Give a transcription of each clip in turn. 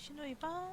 신호위반.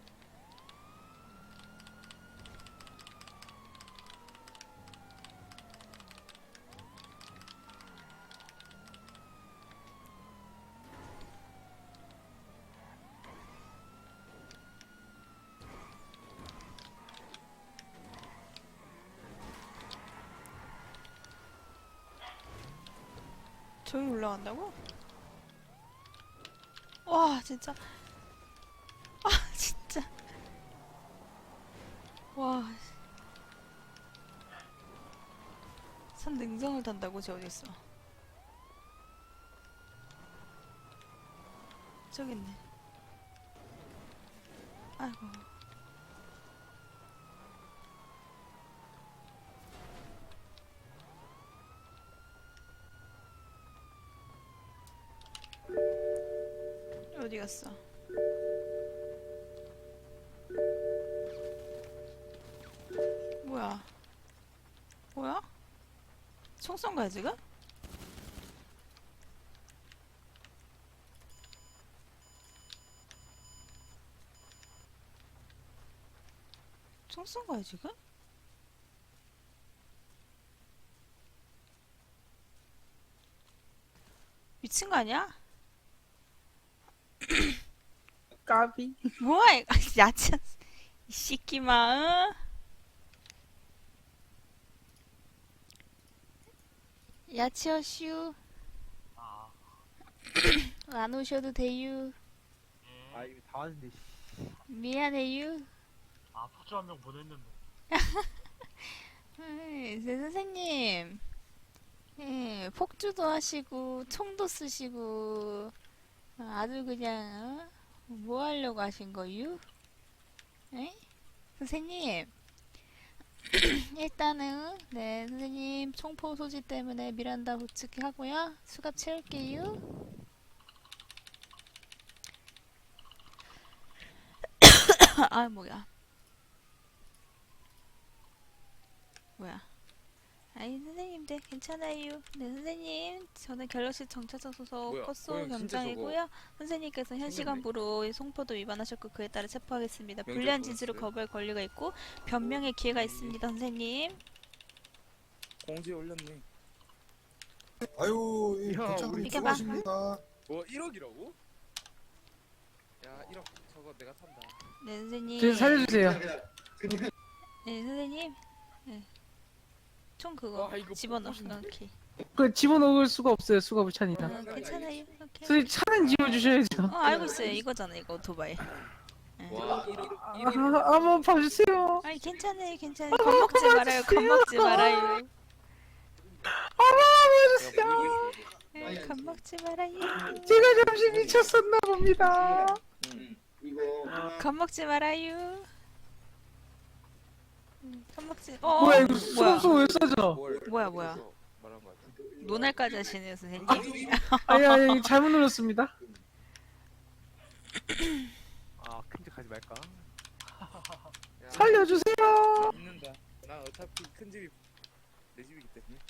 저기 올라간다고? 와 진짜 진짜 와 산 능선을 탄다고? 쟤 어딨어? 저기 있네. 아이고 어디 갔어? 뭐야? 뭐야? 총 쏜 거야 지금? 총 쏜 거야 지금? 미친 거 아니야? 까비. 뭐야 이거 야채 이 새끼마. 응? 야채어슈 아, 안 오셔도 돼유. 아 이거 다 왔는데. 미안해유. 아, 폭주 한 명 보냈는데. 선생님. 폭주도 하시고 총도 쓰시고 아주 그냥 뭐 하려고 하신 거유? 에? 선생님. 일단은 네 선생님 총포 소지 때문에 미란다 부츠기 하고요. 수갑 채울게요. 아 뭐야 아니 선생님들 괜찮아요. 네 선생님 저는 갤럭시 정차장 소속 뭐야, 코스 고양 진짜 경장이고요. 선생님께서 현 생겼네. 시간부로 송포도 위반하셨고 그에 따라 체포하겠습니다. 명절 불리한 진술을 보냈어요? 거부할 권리가 있고 변명의 기회가 있습니다. 선생님. 공지에 올렸네. 아유, 이 야, 도착을 우리 수고하십니다. 뭐 1억이라고? 야 1억 저거 내가 산다. 네 선생님. 저 살려주세요. 네 선생님. 네. 총 그거 와, 이거 집어넣어. 뽀뽀신데? 오케이. 그 집어넣을 수가 없어요. 수갑을 차니까. 괜찮아요. 오케이. 선생님 차는 집어주셔야죠. 알고 있어요. 이거잖아 이거 오토바이. 와 1억 아, 1억 한번 봐주세요. 아니 괜찮아요. 괜찮아요. 겁먹지 말아요. 겁먹지 말아요. 겁먹지 말아요. 제가 잠시 미쳤었나 봅니다. 겁먹지 말아요. 겁먹지. 뭐야 이거 뭐야? 수갑 왜 써져? 뭐야? 말한 거 같아. 논할까지 하시네요 선생님. 아니 잘못 눌렀습니다. 아, 큰짓 하지 말까? 야, 살려주세요. 있는다. 나 어차피 큰 집이 내 집이기 때문에.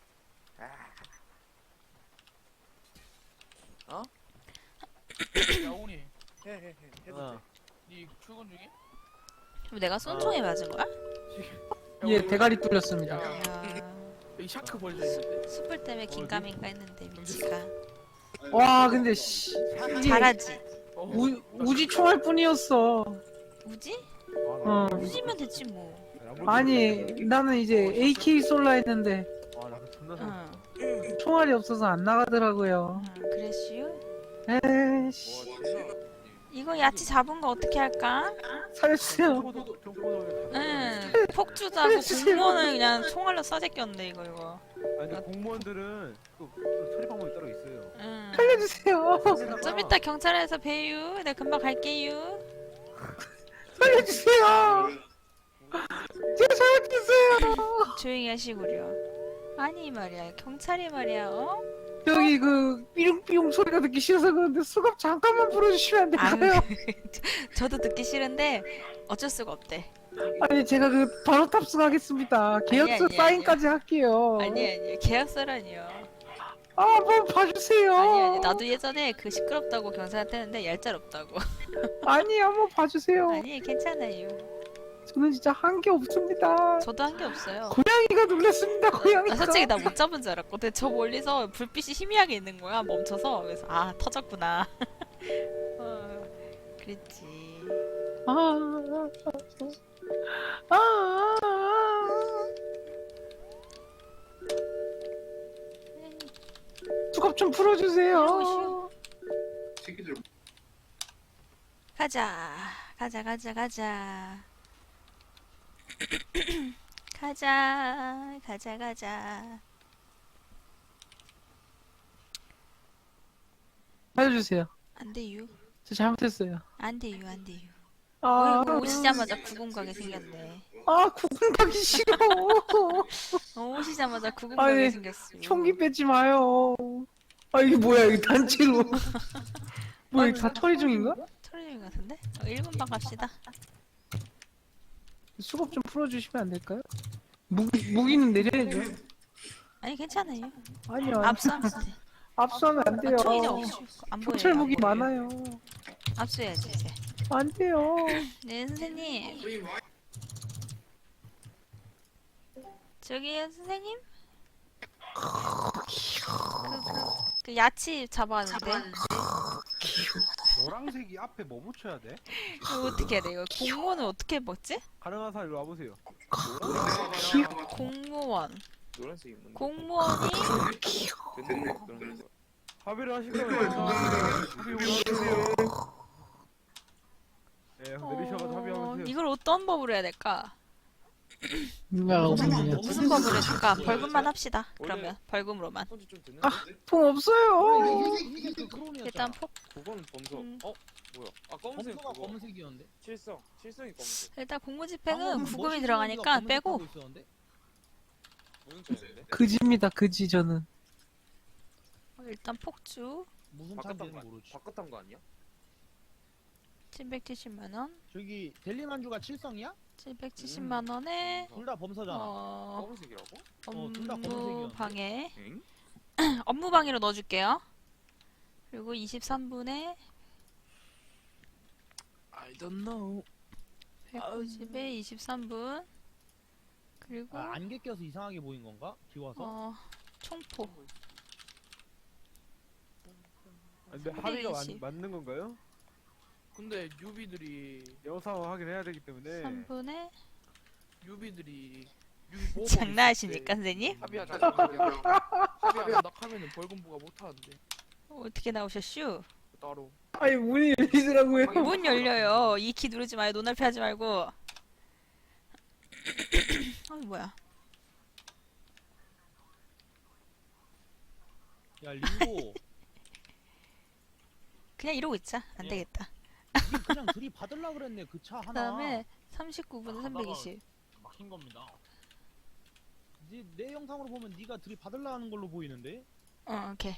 어? 야 오니 해 해도 어. 니 출근 중에? 그럼 내가 쏜 총에 맞은 거야? 예 대가리 뚫렸습니다. 야, 여기 샤크 벌써 있는데 숯불 때문에 긴가민가 했는데 미치가. 와 근데 씨 잘하지. 우지 총알 뿐이었어. 우지? 어 우지면 됐지 뭐. 아니 나는 이제 AK 쏠라 했는데 와, 나도 존나 상. 응. 총알이 없어서 안 나가더라고요. 그랬슈? 에이씨 와 진짜. 이거 야채 잡은 거 어떻게 할까? 살려주세요. 정포도. 응. 폭주도 하고 공무원을 그냥 총알로 써제꼈는데 이거. 아니, 근데 공무원들은 또 처리 방법이 따로 있어요. 응. 살려주세요. 좀 이따 경찰에서 봬요. 내가 금방 갈게요. 살려주세요. 제가 잘못했어요. 조용히 하시구려. 아니 말이야 경찰이 말이야 어? 여기 그 삐용삐용 소리가 듣기 싫어서 그런데 수갑 잠깐만 풀어주시면 안 될까요? 저도 듣기 싫은데 어쩔 수가 없대. 아니 제가 그 바로 탑승하겠습니다. 계약서 아니, 사인까지 할게요. 아니 계약서라니요. 한번 봐주세요. 아니 나도 예전에 그 시끄럽다고 경찰한테 했는데 얄짤없다고. 아니 한번 봐주세요. 아니 괜찮아요. 저는 진짜 한 게 없습니다. 저도 한 게 없어요. 고양이가 놀랐습니다. 고양이가. 나 솔직히 나 못 잡은 줄 알았거든. 저 멀리서 불빛이 희미하게 있는 거야. 멈춰서. 그래서 아 터졌구나. 그랬지. 아, 아, 아, 아. 수갑 좀 풀어주세요. 가자. 가자. 가자. 가자. 살려주세요. 안 돼요. 저 잘못했어요. 안 돼요. 아, 어이구 오시자마자 구금 가게 생겼네. 구분 가기 싫어. 오시자마자 구금 아니, 가게 생겼어. 총기 빼지 마요. 이게 뭐야, 이게 단체로. 뭐, 이거 다 처리 중인가? 철인 같은데? 1분만 갑시다. 수갑 좀 풀어주시면 안 될까요? 무기는 내려야죠. 아니 괜찮아요. 아니요. 압수하면 돼. 압수하면 안 돼요. 총이자 없이 안 보여요. 경찰 무기 많아요. 압수해야지 이제. 안 돼요. 네 선생님. 저기요 선생님. 그 야채 잡아왔는데 노란색이 앞에 뭐 붙여야 돼? 이거 어떻게 해야 돼? 이거 공무원을 어떻게 먹지? 가능한 사람 일로 와보세요. 공무원. 노란색이 뭔데? 공무원이 됐네. 그런 거. 합의를 하시면 합의해주세요. 네, 내리셔가지고 합의하세요. 이걸 어떤 법으로 해야 될까? 없는데요. 무슨 법으로 해줄까? 벌금만 합시다. 그러면 벌금으로만. 손질 좀 됐는데? 돈 없어요. 이게 그 크롬이었잖아. 일단 폭 그건 범석. 음. 뭐야? 검은색 검수가 그거. 검은색이었는데. 칠성이 검은색. 일단 공무집행은 방금 구금이 머시기가 들어가니까 검은색 빼고 하고 있었는데? 무슨 차인데? 그지입니다, 그지, 저는. 일단 폭주 무슨 바깥한 차인지는 거 모르지. 바깥한 거 아니야? 770만 원. 저기 델리만주가 칠성이야? 770만 원에 둘 다 범서잖아. 검은색이라고? 둘다 업무 검은색이었는데? 방해. 엥? 업무 방해로 넣어줄게요. 그리고 23분에 I don't know. 190에 23분. 그리고 안개 껴서 이상하게 보인 건가? 비 와서? 총포. 근데 합의가 320. 맞는 건가요? 근데 유비들이 영상 확인해야 되기 때문에 3분에 유비 장난하십니까 선생님? 합의하자. 합의 안 하면은 벌금부가 못하는데 어떻게 나오셨슈? 따로. 아니, 문이 열리더라고요. 문 열려요. 이 키 누르지 마요. 눈앞에 하지 말고. 뭐야? 야 링고, 그냥 이러고 있자. 안 예. 되겠다. 니 그냥 들이받으려 그랬네 그 차 하나. 그다음에 39분에 320. 막힌 겁니다. 내 영상으로 보면 네가 들이받으려 하는 걸로 보이는데? 오케이.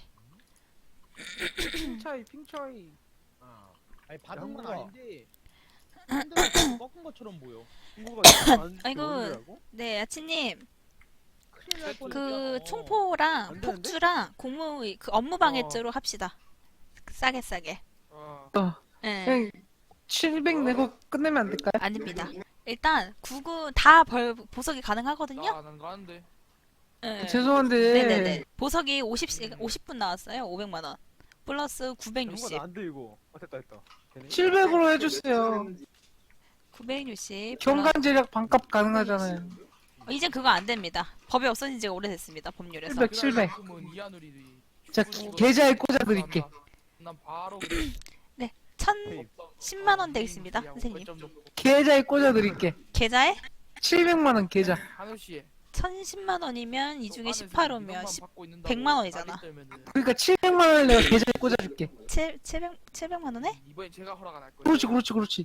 핑차이. 아니 받은 건 양보가. 아닌데 핸들을 꺾은 것처럼 보여. 친구가 아이고. 아이고. 네, 야치님. 큰일 날 그 뻔했잖아. 총포랑 안 되는데? 폭주랑 공무 그 업무 방해죄로 합시다. 싸게. 예. 그냥 700 내고 끝내면 안 될까요? 아닙니다. 일단 구군 보석이 가능하거든요. 나안 가는데. 예. 죄송한데. 네네네. 보석이 50분 나왔어요. 500만 원. 플러스 960. 안 돼, 이거. 됐다. 되네. 700으로 해주세요. 960. 경관 재력 반값 가능하잖아요. 이제 그거 안 됩니다. 법이 없어진 지가 오래됐습니다. 법률에서. 700. 그러면 이하늘이 자, 계좌에 꽂아드릴게. 난 바로 그래. 1010만 원 되겠습니다. 선생님. 계좌에 꽂아드릴게. 계좌에 700만 원 계좌. 한우 씨. 1010만 원이면 이 중에 18호면 100만 원이잖아. 그러니까 700만 원을 내가 계좌에 꽂아줄게. 700만 원에? 이번엔 제가 허락 안 할 거예요. 그렇지.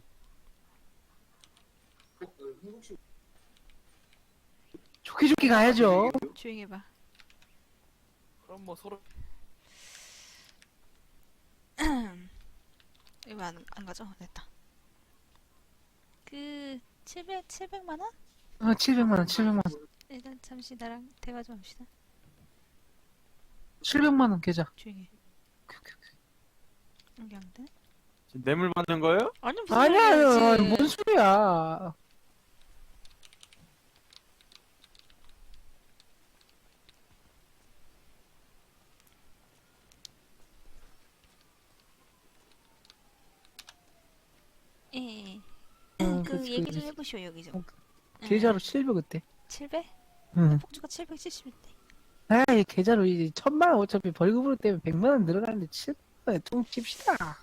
좋게 가야죠. 조용히 해봐. 그럼 뭐 서로 이거 안 가죠? 됐다. 그 700만 원? 700만 원. 일단 잠시 나랑 대화 좀 합시다. 700만 원 계좌. 조용히 해. 오케이, 오케이, 오케이. 이게 안 돼? 지금 뇌물 받는 거예요? 아니 무슨 아니야, 소리야, 아니, 뭔 소리야. 예, 예. 어, 그 그치, 얘기 좀 그치. 해보시오 여기 좀. 계좌로 700 어때? 700? 응. 폭주가 770인데. 아이, 계좌로 이제 1000만 원 어차피 벌금으로 때문에 100만 원 늘어나는데 700만 원에 통 칩시다.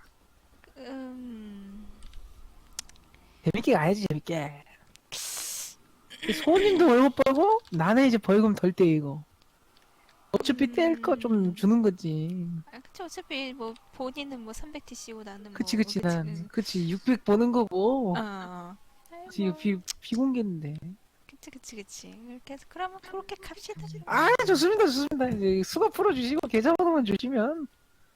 재밌게 가야지, 재밌게. 손님도 월급 벌고 나는 이제 벌금 덜 떼이고. 어차피 뗄 거 좀 주는 거지. 아, 그쵸. 어차피 뭐 본인은 뭐 300TC고 나는 뭐. 그치, 그치, 난 응. 그치 600 버는 거고. 어. 그치, 아이고, 비공개인데. 그치. 이렇게 해서 그러면 그렇게 갑시다. 아, 좋습니다, 좋습니다. 이제 수가 풀어주시고 계좌번호만 주시면.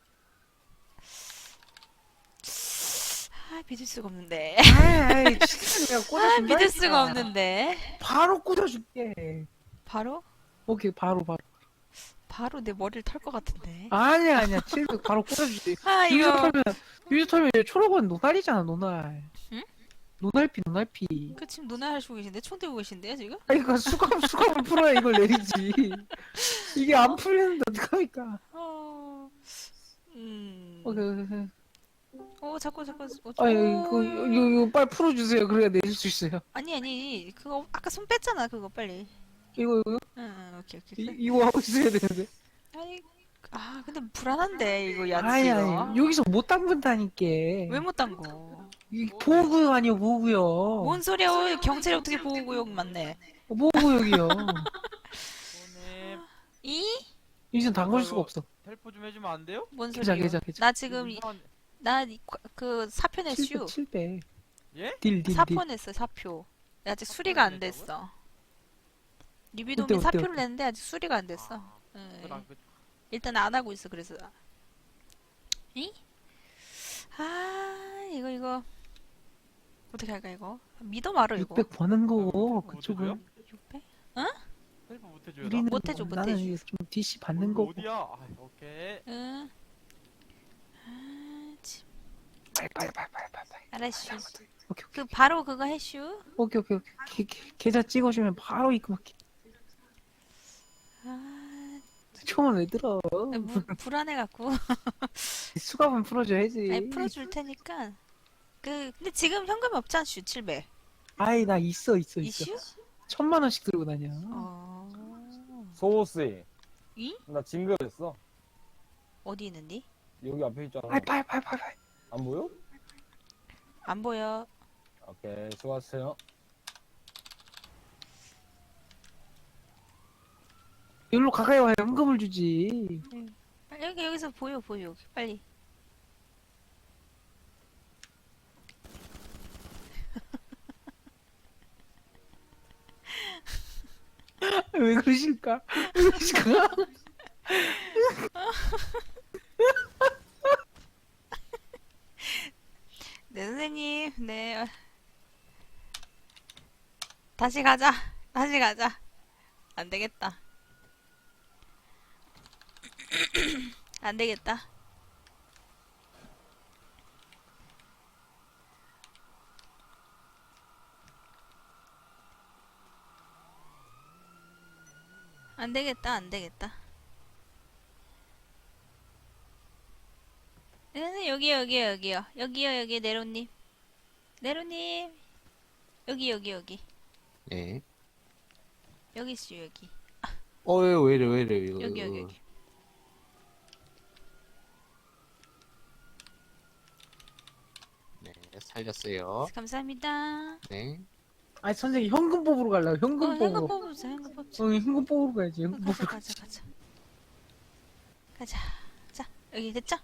아, 믿을 수가 없는데. 아이, 진짜 내가 아, 꽂아준다. 믿을 수가 없는데. 바로 꽂아줄게. 바로? 오케이, 바로. 바로 내 머리를 털 것 같은데. 아니야, 700 바로 꽂아주지. 아, 유저 이거. 털면, 이제 초록은 노날이잖아, 노날. 응? 노날피. 그 지금 누나 하시고 계신데? 총 들고 계신데요, 지금? 아, 이거 수갑을 풀어야 이걸 내리지. 이게 안 풀리는데 어떡합니까? 어. 오케이. 자꾸. 아, 이거 빨리 풀어주세요. 그래야 내릴 수 있어요. 아니. 그거 아까 손 뺐잖아, 그거 빨리. 이거, 응, 오케이. 이거 하고 있어야 되는데. 아니, 근데 불안한데, 이거 야채 아니, 이거. 여기서 못 담근다니까. 왜 못 담궈? 이 보호구역 아니요, 보호구역. 뭔 소리야, 경찰이 어떻게 보호구역 맞네. 보호구역이요. 손님 이? 여기서 담글 수가 없어. 헬프 좀 해주면 안 돼요? 뭔 계좌. 소리야? 나 지금, 이상한- 그 사표 냈슈. 700. 예? 딜. 사표 냈어, 사표. 아직 수리가 안 됐어. 리비돔이 어때? 사표를 냈는데 아직 수리가 안 됐어. 응. 일단 안 하고 있어, 그래서. 이? 이거. 어떻게 할까, 이거? 믿어 말어, 이거. 600 버는 거고, 아, 그쪽은. 600? 헬프 못 해줘요. 우리는 못 해줘, 뭐, 못 나는 해줘. 이게 좀 DC 받는 거고. 어디야? 아, 오케이. 응. 빨리. 알았슈. 오케이. 그, 바로 그거 해슈. 오케이. 계좌 찍어주면 바로 입금할게. 처음은 왜 들어? 불안해갖고. 수갑은 풀어줘야지. 아니, 풀어줄 테니까. 근데 지금 현금이 없잖아, 슈, 700. 아이, 나 있어. 이슈? 1000만 원씩 들고 다녀. 소호씨, 이? 나 징그랬어. 어디 있는디? 여기 앞에 있잖아. 빨리. 안 보여? 안 보여. 오케이, 수고하세요. 여기로 가까이 와야 현금을 주지. 여기서 보여. 빨리. 왜 그러실까? 네, 선생님. 네. 다시 가자. 안 되겠다. 안 되겠다. 안 되겠다. 여기요. 여기 네로님. 여기. 네. 여기 있어요, 여기. 왜 이래, 이거. 여기. 네, 살렸어요. 감사합니다. 네. 아니, 선생님, 현금 뽑으러 가려고, 현금 현금 뽑으러. 뽑자. 현금 뽑으러 가야지, 현금 뽑으러. 가자. 자, 여기 됐죠?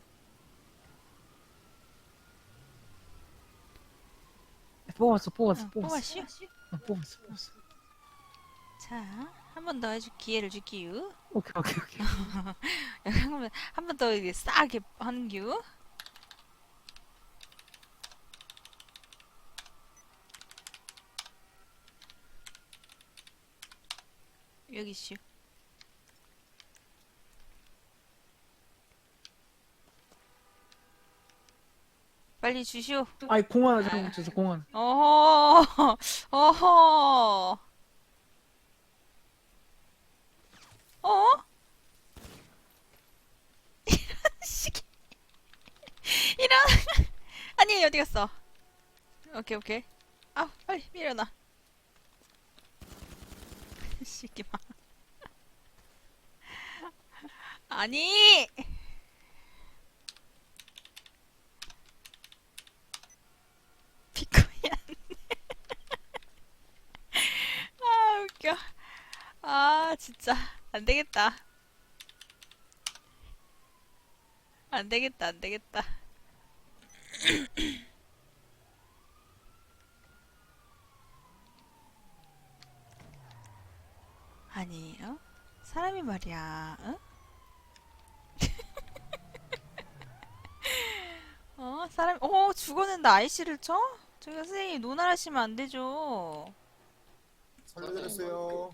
뽑았어. 뽑았슈? 뽑았어. 자, 한 번 더 해줄 기회를 줄게요. 오케이. 한 번 더 이게 싸게 하는 겨. 여기 있슈. 빨리 주시오. 아이 공 하나 잘못 쳐서 공 하나. 어허, 어허. 어? 이런 식. 이런. 아니 어디 갔어? 오케이 오케이. 아 빨리 밀어놔. 시기마. 아니. 비코이 안 돼. 아 웃겨. 아 진짜 안 되겠다. 안 되겠다 안 되겠다. 아니 어? 사람이 말이야 어? 어? 사람 죽었는데 아이씨를 쳐? 저기 선생님 논할하시면 안 되죠. 살려드렸어요.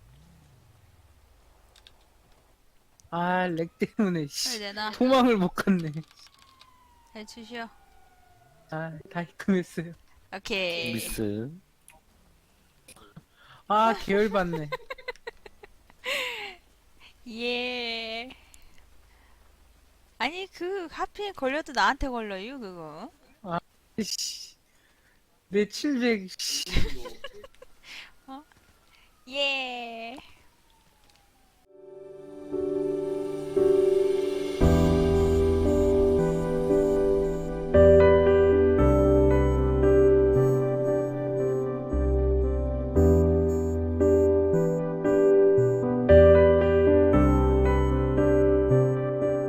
아 렉 때문에 빨리 씨. 내놔. 도망을 못 갔네. 잘 주시오. 아다 입금했어요. 오케이. 미스. 아 계열받네. 예. 아니 그 하필 걸려도 나한테 걸려요 그거. 씨. 내 700. 씨. 예.